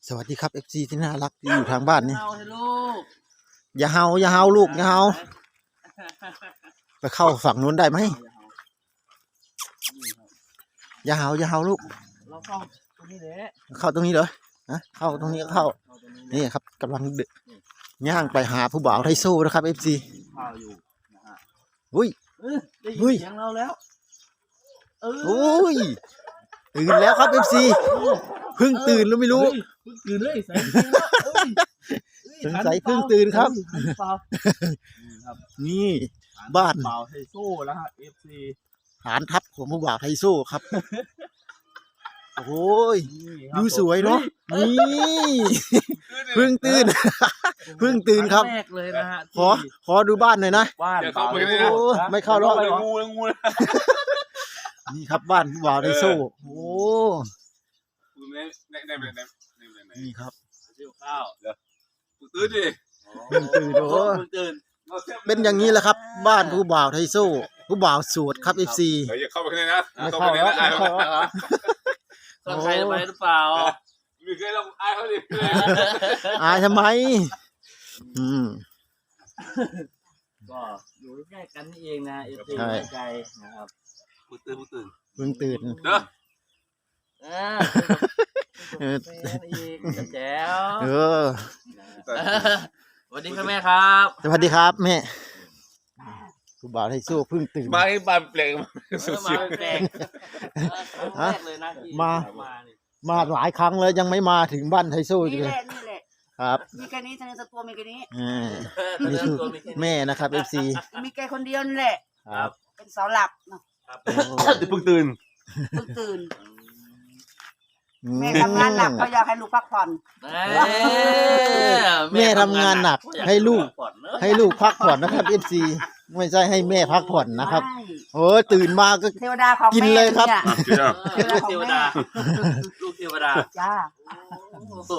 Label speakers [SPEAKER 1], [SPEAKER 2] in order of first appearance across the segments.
[SPEAKER 1] สวัสดีครับ FC ที่น่ารักที่อยู่ทางบ้านนี่
[SPEAKER 2] เฮาให้ลูก
[SPEAKER 1] อย่าเฮาอย่าเฮาลูกอย่าเฮาไปเข้าฝั่งนู้นได้ไหมอย่าเฮาอย่าเฮาลูก
[SPEAKER 2] เราเข้าตรงนี้แหละ
[SPEAKER 1] เข้าตรงนี้เหรอนะเข้าตรงนี้ก็เข้า
[SPEAKER 2] ตรงนี้
[SPEAKER 1] นี่ครับกำลังย่างไปหาผู้บ่าวไทโซ่นะครับ FC
[SPEAKER 2] ข้าวอยู่นะฮะ
[SPEAKER 1] อุ้ย
[SPEAKER 2] ได้ยิ
[SPEAKER 1] เฮ้ย
[SPEAKER 2] นเสียงเราแล้ว
[SPEAKER 1] โอ้ยตื่นแล้วครับ FC เพิ่งตื่นแล้วไม่รู้
[SPEAKER 2] เพิ่งตื่นเลยใส่เสียงแล้ว
[SPEAKER 1] สงสัยเพิ่งตื่นครับ
[SPEAKER 2] เปล่าครับ
[SPEAKER 1] นี่บ้าน
[SPEAKER 2] เปล่าไทโซ่แล้วฮะ FC
[SPEAKER 1] ฐานทัพของผู้บ่าวไทโซ่ครับโอ้ย
[SPEAKER 2] นี่ครับ
[SPEAKER 1] ดูสวยเนาะนี่เพิ่งตื่น เพิ่งตื่นครับ
[SPEAKER 2] งแรกเลยนะฮะ
[SPEAKER 1] ขอดูบ้านหน่อยนะ
[SPEAKER 2] บ้าน
[SPEAKER 3] เข้าไปเลยนะ
[SPEAKER 1] โอ้ไม่เข้าหรอก
[SPEAKER 3] งูเลยงูเลย
[SPEAKER 1] นี่ครับบ้านผู้บ่าวไทโซ่โอ้ นี่ครับ
[SPEAKER 2] เที่ยวข้าว
[SPEAKER 3] ตื่นดิ
[SPEAKER 1] เพิ่งตื่นโอ้
[SPEAKER 2] เพิ่งตื่น
[SPEAKER 1] เป็นอย่างนี้แหละครับ บ้านผู้บ่าวไทโซ่ผู้บ่าวโสดครับ FC
[SPEAKER 3] เดี๋ยวอย่าเข้าไปข้างในนะ
[SPEAKER 1] ไม่เข้าหรอกไม่เข้าหรอก
[SPEAKER 2] ต้องใครจะไปหรือเปล่า
[SPEAKER 3] มีใครเราอายเขาดิ
[SPEAKER 1] อายทำไม อืม
[SPEAKER 2] ก็อยู่ใกล้ๆกันนี่เองนะเอฟซี
[SPEAKER 1] ใช่
[SPEAKER 2] ใจนะครับ
[SPEAKER 3] ตื่น
[SPEAKER 1] เพิ่งตื่น
[SPEAKER 3] เด้อ
[SPEAKER 2] เอออีกแจ๋ว
[SPEAKER 1] เออ
[SPEAKER 2] สวัสดีครับแม่ครับ
[SPEAKER 1] สวัสดีครับแม่ผู้บ่าวไทโซ่เพิ่งตื่น
[SPEAKER 3] มาให้บ้านเปลง
[SPEAKER 2] มาแปลกแรกเลยนะที่
[SPEAKER 1] มา
[SPEAKER 2] นี่
[SPEAKER 1] มาหลายครั้งแล้วยังไม่มาถึงบ้านไทโซ่อีก
[SPEAKER 4] นี่
[SPEAKER 1] เล
[SPEAKER 4] แห
[SPEAKER 1] ย
[SPEAKER 4] ละนี่แหละ
[SPEAKER 1] ครับ
[SPEAKER 4] มีแค่นี้ทะเลสตัวมีแค่นี้
[SPEAKER 1] อ่านี่คือแม่นะครับ FC
[SPEAKER 4] มีแค่คนเดียวนี่แหละ
[SPEAKER 1] ครับ
[SPEAKER 4] เป็นเสาหลักเนาะ
[SPEAKER 1] โอ้
[SPEAKER 3] เพิ่งตื่น
[SPEAKER 4] เพิ่งตื่นแม่ทำงานหนักเขาอยากให้ลูกพักผ่อน
[SPEAKER 1] แม่ทำงานหนักให้ลูกพักผ่อนนะครับ FC ไม่ใช่ให้แม่พักผ่อนนะครับ
[SPEAKER 4] ใช่
[SPEAKER 1] โอ้ยตื่นมาก็
[SPEAKER 4] เทวดาของ
[SPEAKER 1] กิน
[SPEAKER 4] แม่
[SPEAKER 1] เลยครับ
[SPEAKER 4] นี่
[SPEAKER 2] เทวดาลูกเทวดา
[SPEAKER 4] จ้า
[SPEAKER 2] โอ้โห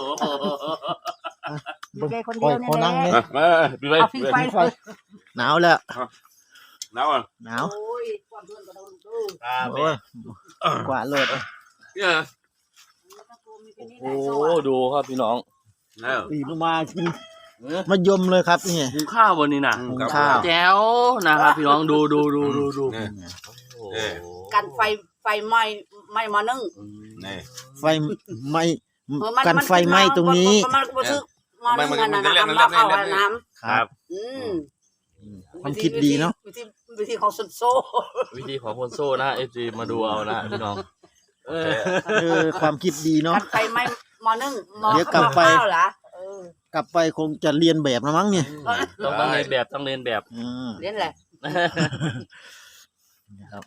[SPEAKER 4] มีแค่คน
[SPEAKER 1] ค
[SPEAKER 4] เดี
[SPEAKER 1] อย
[SPEAKER 4] ยวนี่
[SPEAKER 1] ขอ
[SPEAKER 4] แห
[SPEAKER 1] นั่
[SPEAKER 4] ละ
[SPEAKER 1] งเนี่ย
[SPEAKER 3] มาพี่ไป
[SPEAKER 4] เอาฟิงไฟเลย
[SPEAKER 1] หนาวแล้ว
[SPEAKER 3] หนาวอ่ะ
[SPEAKER 1] หนาว
[SPEAKER 4] โอ้ยความเพื่อนก็ต้องดู
[SPEAKER 2] ครับ
[SPEAKER 1] โอ้ยกว่าดเลย
[SPEAKER 3] เนี่ย
[SPEAKER 2] โอ้โหดูครับพี่น้อง
[SPEAKER 3] แล้ว
[SPEAKER 1] ตื่นมากินมะยมเลยครับนี่
[SPEAKER 2] หุงข้าววันนี้นะ
[SPEAKER 1] หุงข้าว
[SPEAKER 2] แจ๋วนะครับพี่น้องดูโอ้โห
[SPEAKER 4] กันไฟไหม้มานึ่ง
[SPEAKER 3] นี่
[SPEAKER 1] ไฟไหม้กันไฟไหม้ตรงนี้
[SPEAKER 4] มันก็ซื้อมานึ่งกันนะน้ำเข้าน้ำ
[SPEAKER 1] ครับ ความคิดดีเนาะ
[SPEAKER 4] วิธีของสุดโซ่
[SPEAKER 2] วิธีของคนโซ่นะเอฟซีมาดูเอานะพี่น้อง
[SPEAKER 1] ความคิดดีเนาะ
[SPEAKER 4] กันไฟไหม้มานึ่ง
[SPEAKER 1] เดี๋ยวกลับไป
[SPEAKER 4] ข้าวเหรอก
[SPEAKER 1] ลับไปคงจะเรียนแบบนะมั้งเนี่ย
[SPEAKER 2] ต้องเรียนแบบต้องเรียนแบบ
[SPEAKER 4] เล่นแหละ
[SPEAKER 1] นะครับ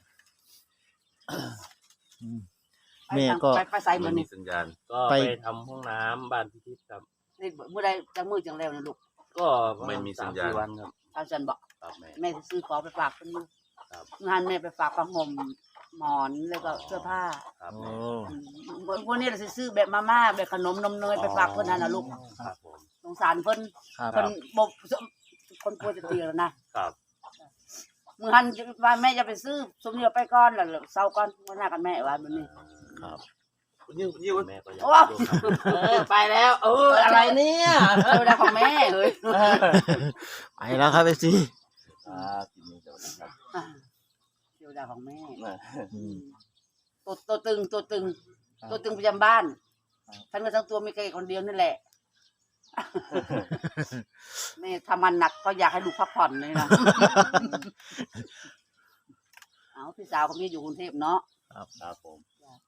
[SPEAKER 1] แม่ก็
[SPEAKER 4] ไปใส่เหมื
[SPEAKER 3] มั
[SPEAKER 4] อน น
[SPEAKER 3] มี
[SPEAKER 4] นี่
[SPEAKER 3] สัญญาณ
[SPEAKER 2] ก็ไปทำห้องน้ำบ้านพิทิพย์ครับ
[SPEAKER 4] นี่เมื่อใดจังมือจังแล้วนะลูก
[SPEAKER 2] ก็
[SPEAKER 3] ไม่มีสัญญาณ
[SPEAKER 2] 3-4 วันครับ
[SPEAKER 4] ท่านจันบอก
[SPEAKER 2] ครับแม่
[SPEAKER 4] แม่จะซื้อของไปฝากเพิ่นอยู่
[SPEAKER 2] ครับ
[SPEAKER 4] งานแม่ไปฝากผ้าห่มหมอนแล้วก็เสื้อผ้า
[SPEAKER 2] ครับ
[SPEAKER 1] โอ้
[SPEAKER 4] วันนี้เราจะซื้อแบบมาม่าแบบขนมนมเนยไปฝากเพิ่นนั่นนะลูก
[SPEAKER 2] ครับผม
[SPEAKER 4] สงสารเพิ่น
[SPEAKER 1] ครับ
[SPEAKER 4] เพิ่นบบคนกลัวจะตีแล้วนะครับ มื้อหันว่าแม่จะไปซื้อสมเดียวไปก่อนแล้วเช้าก่อนวันหน้ากันแม่ว่ามันนี่
[SPEAKER 2] ครับ
[SPEAKER 3] ยิ่ง
[SPEAKER 2] แม่ก็อยาก
[SPEAKER 4] โอ้
[SPEAKER 2] ไปแล้วอะไรเนี่ย
[SPEAKER 4] เวลาของแม่เฮ้ย
[SPEAKER 1] ไปแล้วครับเอซี
[SPEAKER 2] ครับทีนี้จะวันครับ
[SPEAKER 4] เวลาของแม่
[SPEAKER 1] อืม
[SPEAKER 4] ตัวตึงประจำบ้านท่านก็ทั้งตัวมีแค่คนเดียวนี่แหละแม่ทำมันหนักก็อยากให้ลูกพักผ่อนเลยนะเอาพี่สาวเขามีอยู่กรุงเทพเนาะ
[SPEAKER 2] ครับผม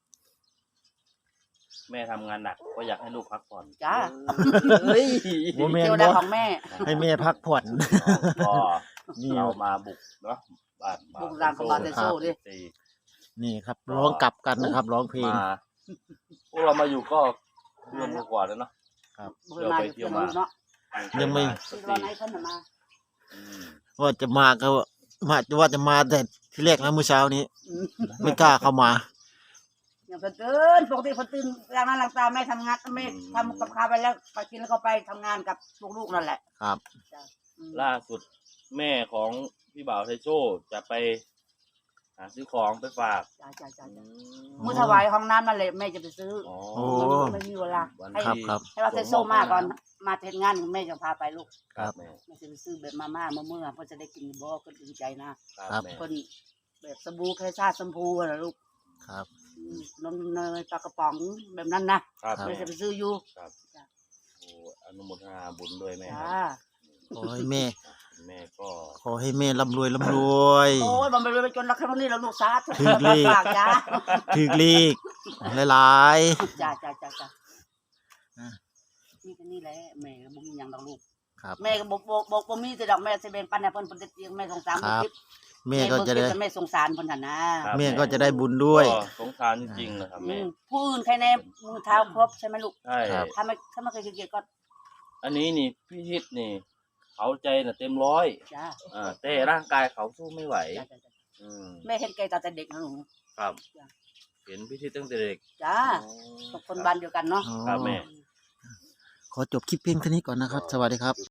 [SPEAKER 2] แม่ทำงานหนักก็อยากให้ลูกพักผ่อน
[SPEAKER 4] จ้า
[SPEAKER 2] เฮ้ย
[SPEAKER 1] โมเมน
[SPEAKER 4] เทว
[SPEAKER 1] ต์
[SPEAKER 4] ดา
[SPEAKER 1] เนาะ
[SPEAKER 4] ของแม่
[SPEAKER 1] ให้แม่พักผ่อน
[SPEAKER 2] ก็
[SPEAKER 1] นี่
[SPEAKER 2] เรามาบุกเนาะบ้าน
[SPEAKER 4] บุกร้านของบาเตโซ่ดิ
[SPEAKER 1] นี่ครับร้องกลับกันนะครับ ร้องเพลง
[SPEAKER 2] มาพวกเรามาอยู่ก็เดือนกว่าแล้วเนาะ
[SPEAKER 4] เมื่อมาอยู่เที่ยวเนาะ
[SPEAKER 1] ยังไม่
[SPEAKER 4] ที่ตอนไหนเพิ่นน่ะมา
[SPEAKER 1] ว่าจะมาก็ว่าจะมาแต่ที่แรกนะเมื่อเช้านี้ ไม่กล้าเข้ามา
[SPEAKER 4] อย่างเพิ่นตื่นปกติเพิ่นตื่นล้างหน้าล้างตาแม่ทำงานแม่ทำกับข้าวไปแล้วไปกินแล้วก็ไปทำงานกับลูกๆนั่นแหละ
[SPEAKER 1] ครับ
[SPEAKER 4] อืม
[SPEAKER 2] ล่าสุดแม่ของพี่บ่าวไทโซ่จะไปหหาซื้อของไปฝาก
[SPEAKER 4] จ้ามื้อถวายห้องน้ำนั่นแหละแม่จะไปซื้อ
[SPEAKER 2] อ๋อ
[SPEAKER 1] โอ้
[SPEAKER 4] ไม่มีเวลา
[SPEAKER 2] วัน
[SPEAKER 4] ให้
[SPEAKER 1] ครับ
[SPEAKER 2] ที่
[SPEAKER 1] ครับ
[SPEAKER 4] ให้ว่าเทโซมาก่อนมาเทศงานแม่จะพาไปลูก
[SPEAKER 2] ครับแม่
[SPEAKER 4] แม่จะไปซื้อแบบมาม่าเมื่อเพิ่นจะได้กินบ่ก็ดีใจนะครับ
[SPEAKER 2] แม่
[SPEAKER 4] เพิ่นแบบสบู่แค่ชาชมพูน่ะลูก
[SPEAKER 1] ครับ
[SPEAKER 4] นมเนยปลากระป๋องแบบนั้นนะครับ
[SPEAKER 1] ครับ
[SPEAKER 4] แม่จะไปซื้ออยู่
[SPEAKER 2] โอ้อนุโมทนาบุญด้วยแม่ค
[SPEAKER 4] จ้า
[SPEAKER 2] รับ
[SPEAKER 1] ขอให้แม่
[SPEAKER 2] แม่ก็
[SPEAKER 1] ขอให้แม่ร่ำรวยร่ำรวย
[SPEAKER 4] โอ้ยมันไปเลยไปจนรักแค่นี้แล้วลูกสาธุ
[SPEAKER 1] ถึงเลข
[SPEAKER 4] ฝากจ้า
[SPEAKER 1] ถือลีกหลาย
[SPEAKER 4] จ้า
[SPEAKER 1] อ่ะ
[SPEAKER 4] นี่ก็นี่แหละแม่ก็บ่มีหยังดอกลูก
[SPEAKER 1] ๆครับ
[SPEAKER 4] แม่ก็บ่มีแต่ดอกแม่สิแบ่งปันให้เพิ่นเลี้ยงแม่สงสาร
[SPEAKER 1] ครับ
[SPEAKER 4] เพิ่น
[SPEAKER 1] แม่ก็จะได้
[SPEAKER 4] แม่สงสารเพิ่นหั่นนะครับ
[SPEAKER 1] แม่ก็จะได้บุญด้วย
[SPEAKER 2] ก็สงสารจริงๆนะครับ
[SPEAKER 4] อื
[SPEAKER 2] แม่
[SPEAKER 4] มผู้อื่นใครแน่มือเท้าครบใช่ไหมลูก
[SPEAKER 2] ใช่
[SPEAKER 1] ครับ
[SPEAKER 4] ถ้าไม่เคยเกลียดก็
[SPEAKER 2] อันนี้นี่พี่ชิดนี่เขาใจน่ะเต็มร้อย
[SPEAKER 4] จ้า
[SPEAKER 2] แต่ร่างกายเขาสู้ไม่ไหว
[SPEAKER 4] จ้า
[SPEAKER 2] อืม
[SPEAKER 4] แม่เห็นแกตั้งแต่เด็กนะหนู
[SPEAKER 2] ครับ
[SPEAKER 4] จ้ะ
[SPEAKER 2] เห็นพี่ชิดตั้งแต่เด็ก
[SPEAKER 4] จ้าทุกคนบ้านเดียวกันเนาะ
[SPEAKER 1] อ๋อ
[SPEAKER 2] ครับแม่
[SPEAKER 1] ขอจบคลิปเพียงเท่านี้ก่อนนะครับ สวัสดีครับ